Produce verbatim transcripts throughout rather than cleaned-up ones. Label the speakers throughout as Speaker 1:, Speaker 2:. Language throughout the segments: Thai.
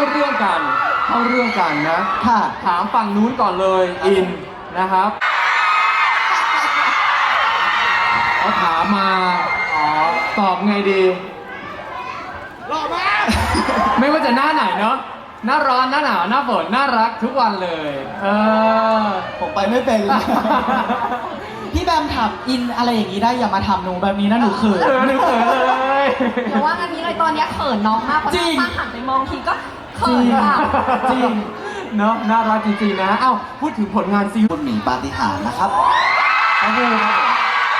Speaker 1: เรื่องกันเข้าเรื่องกันนะ
Speaker 2: ค่ะ
Speaker 1: ถามฝั่งนู้นก่อนเลยอินนะครับเขาถามมาอ๋อตอบไงดีหล่อมากไม่ว่าจะหน้าไหนเนาะหน้าร้อนหน้าหนาวหน้าฝนน่ารักทุกวันเลยเออ
Speaker 2: ผมไปไม่เป็น พี่แบมถามอินอะไรอย่างนี้ได้อย่ามาทำหนูแบบนี้นะหนูเขิน
Speaker 1: เออหนูเขินเลย
Speaker 3: เดี๋ยวว่างันนี้เลยตอนเนี้ยเขินน้องมากเพราะ
Speaker 2: จริ
Speaker 3: น้อง
Speaker 2: ง
Speaker 3: มาหันไปมองทีก็เขินอ่ะ
Speaker 2: จริง
Speaker 1: เนาะน่ารักจริงๆนะเอ้าพูดถึงผลงานซีรีส์
Speaker 2: คุณหมีปาฏิหาริย์นะครับ
Speaker 1: โอ้โหครับผม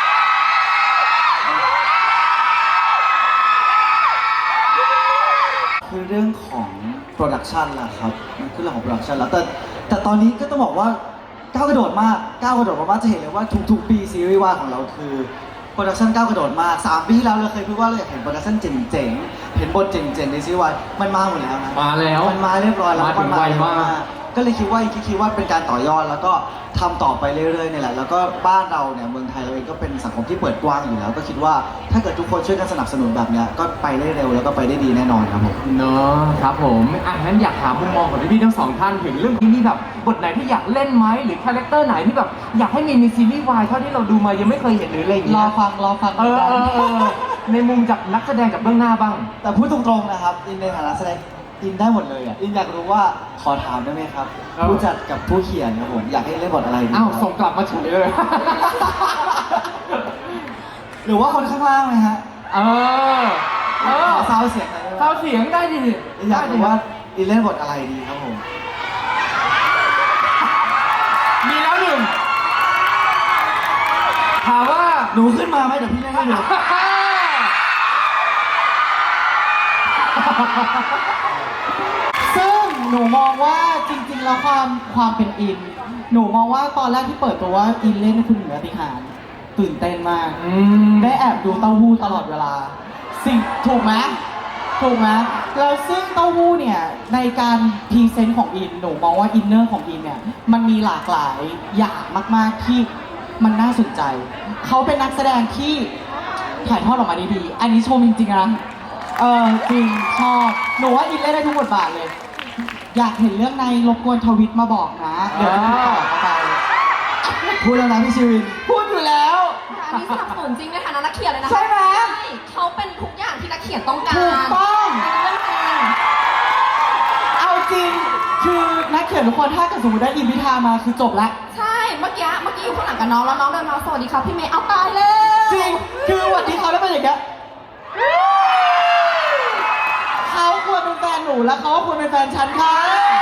Speaker 2: คือเรื่องของโปรดักชันแหละครับมันคือเรื่องของโปรดักชันแล้วแต่แต่ตอนนี้ก็ต้องบอกว่าก้าวกระโดดมากก้าวกระโดดมากๆจะเห็นเลยว่าทุกๆปีซีรีส์วายของเราคือโปรดักชันก้าวกระโดดมากสามปีที่แล้วเราเคยพูดว่าเราอยากเห็นโปรดักชันเจ๋งๆเห็นบทเจ๋งๆในซีรีส์วายมันมาหมดแล้วนะ
Speaker 1: มาแล้ว
Speaker 2: มันมาเรียบร้อยแล้ว
Speaker 1: มาถึงไวมาก
Speaker 2: ก็เลยคิดว่าคิดคิดว่าเป็นการต่อยอดแล้วก็ทำต่อไปเรื่อยๆนี่แหละแล้วก็บ้านเราเนี่ยเมืองไทยเราเองก็เป็นสังคมที่เปิดกว้างอยู่แล้ว ก็คิดว่าถ้าเกิดทุกคนช่วยกันสนับสนุนแบบเนี้ยก็ไปได้เร็วแล้วก็ไปได้ดีแน่นอนครับผม
Speaker 1: เนาะครับผมอ่ะงั้นอยากถามมุมมองของพี่ๆทั้งสองท่านถึงเรื่องที่มีแบบบทไหนที่อยากเล่นไหมหรือคาแรคเตอร์ไหนที่แบบอยากให้มีในซีรีส์วายเท่าที่เราดูมายังไม่เคยเห็นหรืออะไรอย่าง
Speaker 2: ร
Speaker 1: เงี้
Speaker 2: อย ฟังรอฟัง
Speaker 1: เออเออเออในมุมจากนักแสดงกับเบื้องหน้าบ้าง
Speaker 2: แต่พูดตรงๆนะครับอินในฐานะแสดงอินได้หมดเลยอ่ะอินอยากรู้ว่าขอถามได้ไหมครับ
Speaker 1: เออ
Speaker 2: ผู้จัดกับผู้เขียนครับผมอยากให้เล่นบทอะไรดี
Speaker 1: อ้าว
Speaker 2: ครับ
Speaker 1: ส่งกลับมาเฉยเลย
Speaker 2: หรือว่าคนข้างล่างไหมฮะ
Speaker 1: เออเออ
Speaker 2: ขอซาวด์เสียงหน่อยได้ไหม
Speaker 1: เข้าเสียงได้ดิ
Speaker 2: อยากรู้ว่าอินเล่นบทอะไรดีครับผม
Speaker 1: มีแล้วหนึ่งถามว่า
Speaker 2: หนูขึ้นมาไหมเดี๋ยวพี่เล่นให้ดู ซึ่งหนูมองว่าจริงๆแล้วความความเป็นอิน หนูมองว่าตอนแรกที่เปิดตัวว่าอินเล่นคุณเหนือติหารตื่นเต้นมาก
Speaker 1: อืม
Speaker 2: ได้แอบดูเต้าหู้ตลอดเวลา สิ่งถูกไหมถูกไหมแล้วซึ่งเต้าหู้เนี่ยในการพรีเซนต์ของอินหนูมองว่าอินเนอร์ของอินเนี่ยมันมีหลากหลายอย่างมากๆที่มันน่าสนใจ เขาเป็นนักแสดงที่ถ่ายทอดออกมาได้ดี อันนี้ชมจริงๆนะเออจริงชอบหนูว่าอินเล่นได้ทุกบทบาทเลย อยากเห็นเรื่องในรบกวนทวิตมาบอกนะเดี๋ยวจะติดต่อเข้าไปพูดแล้วนะพี่ชีวินพูดอยู่แล้ว
Speaker 3: อันนี้สนับสนุนจริงในฐานะนักเขียนเลยนะ
Speaker 2: ใช่ไหม
Speaker 3: ใช่เขาเป็นทุกอย่างที่นักเขียนต้องการ
Speaker 2: ถูกต้อง
Speaker 3: เรื่องจริง
Speaker 2: เอาจริง คือนักเขียนทุกคนถ้าเกิดสมมติได้อินพิธามาคือจบละ
Speaker 3: ใช่เมื่อกี้เมื่อกี้อยู่ข้างหลังกับน้องแล้วน้องเดินมาสวัสดีครับพี่เมย์เอาตายแล้ว
Speaker 2: จริง คือวันที่เขาได้เป็นอย่างเงี้ยเขาควรเป็นแฟนหนูแล้วเขาก็ควรเป็นแฟนฉันค่ะ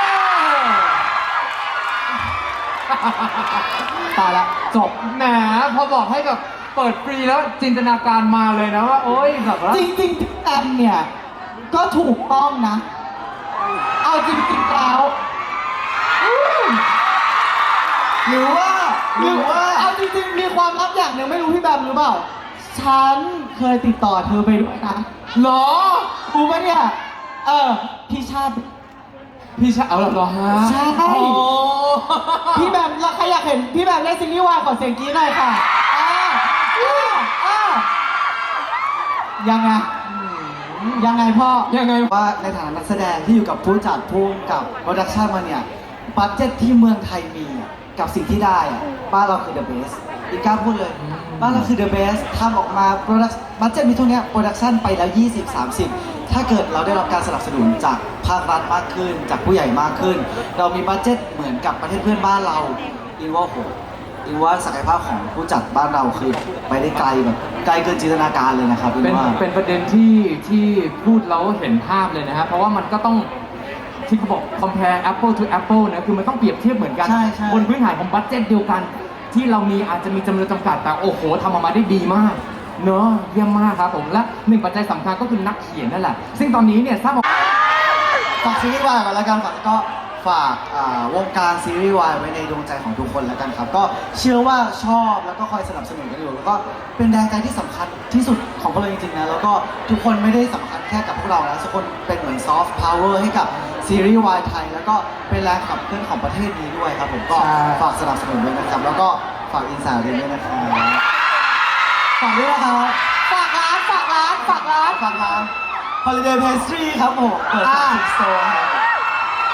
Speaker 2: ตายละจบ
Speaker 1: แหมพอบอกให้แบบเปิดฟรีแล้วจินตนาการมาเลยนะว่า โอ๊ยแบบว่า
Speaker 2: จริงๆพี่แอมเนี่ย ก็ถูกต้องนะ เอาจริงๆแล้วอืมหรือว่าหรือว่า เอาจริงๆมีความลับอย่างหนึ่งไม่รู้พี่แบมหรือเปล่า ฉันเคยติดต่อเธอไปด้วยนะ
Speaker 1: เหรอ
Speaker 2: รู้ปะเนี่ย เออ พี่ชาติ
Speaker 1: พี่ชายเอาเหรอฮะ
Speaker 2: ใช่
Speaker 1: โอ้
Speaker 2: พี่แบมแล้วใครอยากเห็นพี่แบมเล่นซีรีส์วายขอเสียงกรี๊ดหน่อยค่ะอ่าอ่าอ่ายังไง ยังไงพ่อ
Speaker 1: ยังไง
Speaker 2: ว่าในฐานะนักแสดงที่อยู่กับผู้จัดผู้กำกับโปรดักชันมาเนี่ยบัตเจ็ตที่เมืองไทยมีอะกับสิ่งที่ได้อะบ้านเราคือ the best อีกกล้าพูดเลย บ้านเราคือ the best ทำออกมาโปรดักบัตเจ็ตมีเท่านี้โปรดักชันไปแล้ว ยี่สิบ สามสิบ ถ้าเกิดเราได้รับการสนับสนุนจากภาครัฐมากขึ้น จากผู้ใหญ่มากขึ้น เรามีบัตเจ็ตเหมือนกับประเทศเพื่อนบ้านเราอินว่าโหอินว่าศักยภาพของผู้จัดบ้านเราคือไปได้ไกลแบบไกลเกินจินตนาการเลยนะครับอิน
Speaker 1: เป็น
Speaker 2: ว่า
Speaker 1: เป็นประเด็นที่ที่พูดแล้วเห็นภาพเลยนะฮะเพราะว่ามันก็ต้องที่เขาบอก compare apple to apple นะคือมันต้องเปรียบเทียบเหมือนกัน
Speaker 2: ใช่ใช่
Speaker 1: บนพื้นฐานของบัตเจ็ตเดียวกัน ที่เรามีอาจจะมีจำนวนจำกัดแต่โอ้โหทำออกมาได้ดีมากเนอะเยี่ยมมากครับผมและหนึ่งปัจจัยสำคัญก็คือนักเขียนนั่นแหละซึ่งตอนนี้เนี่ยทราบมา
Speaker 2: ฝากซีรีส์วายกันแล้วกันฝากก็ฝากอ่าวงการซีรีส์วายไว้ในดวงใจของทุกคนแล้วกันครับ ก็เชื่อว่าชอบแล้วก็คอยสนับสนุนกันอยู่แล้วก็เป็นแรงใจที่สำคัญที่สุดของพวกเราจริงๆนะแล้วก็ทุกคนไม่ได้สำคัญแค่กับพวกเรานะทุกคนเป็นเหมือนซอฟต์พาวเวอร์ให้กับซีรีส์วายไทยแล้วก็เป็นแรงขับเคลื่อนของประเทศนี้ด้วยครับผมก็
Speaker 1: ใช่
Speaker 2: ฝากสนับสนุนด้วยนะครับ แล้วก็ฝากอินสตาแกรมด้วยนะครับฝากด้วยนะครับฝากร้านฝากร้านฝากร้านฝากร้าน Holiday Pastry ครับผมเปิดสาขาสโตร์ครับ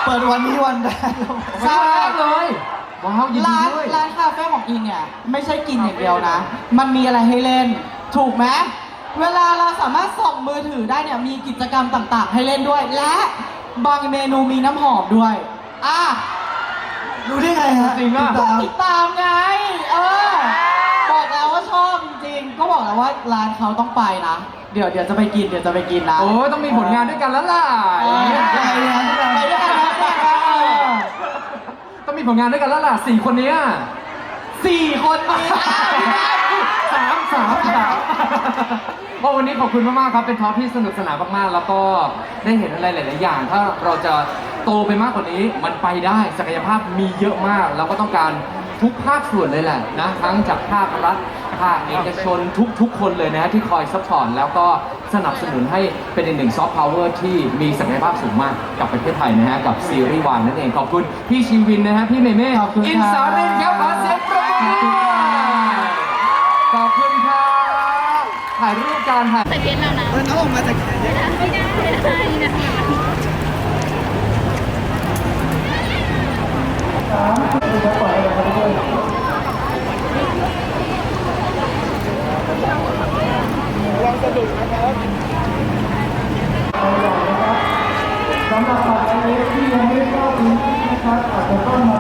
Speaker 4: เปิดวันนี้วันแรก
Speaker 1: ใช่เลยว้าวยินดี
Speaker 2: ร้าน
Speaker 1: ด้วย
Speaker 2: ร้านคาเฟ่ของอินเนี่ยไม่ใช่กินอย่างเดียวนะ มันมีอะไรให้เล่น ถูกไหมเวลาเราสามารถส่งมือถือได้เนี่ยมีกิจกรรมต่างๆ ให้เล่นด้วย และบางเมนูมีน้ำหอมด้วยอ่ะ
Speaker 4: รู้ได้ไงฮะ
Speaker 1: จริงอ่ะ
Speaker 4: ติดตาม
Speaker 2: ติดตามไง เออ บอกแล้วว่าชอบจริงๆ ก็บอกแล้วว่าร้านเขาต้องไปนะ เดี๋ยวเดี๋ยวจะไปกินเดี๋ยวจะไปกินนะ
Speaker 1: โอ้ยต้องมีผลงานด้วยกันแล้วล่ะ
Speaker 2: เออ
Speaker 1: อย่างเงี้ย
Speaker 2: ไปด้วยกันนะไปด้วยกันนะเออ
Speaker 1: ต้องมีผลงานด้วยกันแล้วล่ะสี่คนเนี้ย
Speaker 2: สี่คนนี้
Speaker 1: สามสามสามว่าวันนี้ขอบคุณมากๆครับเป็นทอล์กที่สนุกสนานมากๆแล้วก็ได้เห็นอะไรหลายๆอย่าง ถ้าเราจะโตไปมากกว่านี้มันไปได้ศักยภาพมีเยอะมากเราก็ต้องการทุกภาคส่วนเลยแหละนะทั้งจากภาครัฐภาคเอกชนทุกๆ คนเลยนะฮะที่คอยซัพพอร์ตแล้วก็สนับสนุนให้เป็นอีกหนึ่งซอฟต์พาวเวอร์ที่มีศักยภาพสูงมากกับประเทศไทยนะฮะกับซีรีส์วายนั่นเองขอบคุณพี่ชีวินนะฮะพี่เมเม่
Speaker 2: ขอบคุณครับ
Speaker 1: อินสารินครับขอเสียงปรบมือขอบคุณครับถ่ายรูปการถ่าย
Speaker 3: ใส่เพชรแล้วนะ
Speaker 4: เออน้องออกมาจาก
Speaker 3: ไม่ได้ไม่ได้นะ
Speaker 4: จะปล่อยอะไรเขาไปด้วย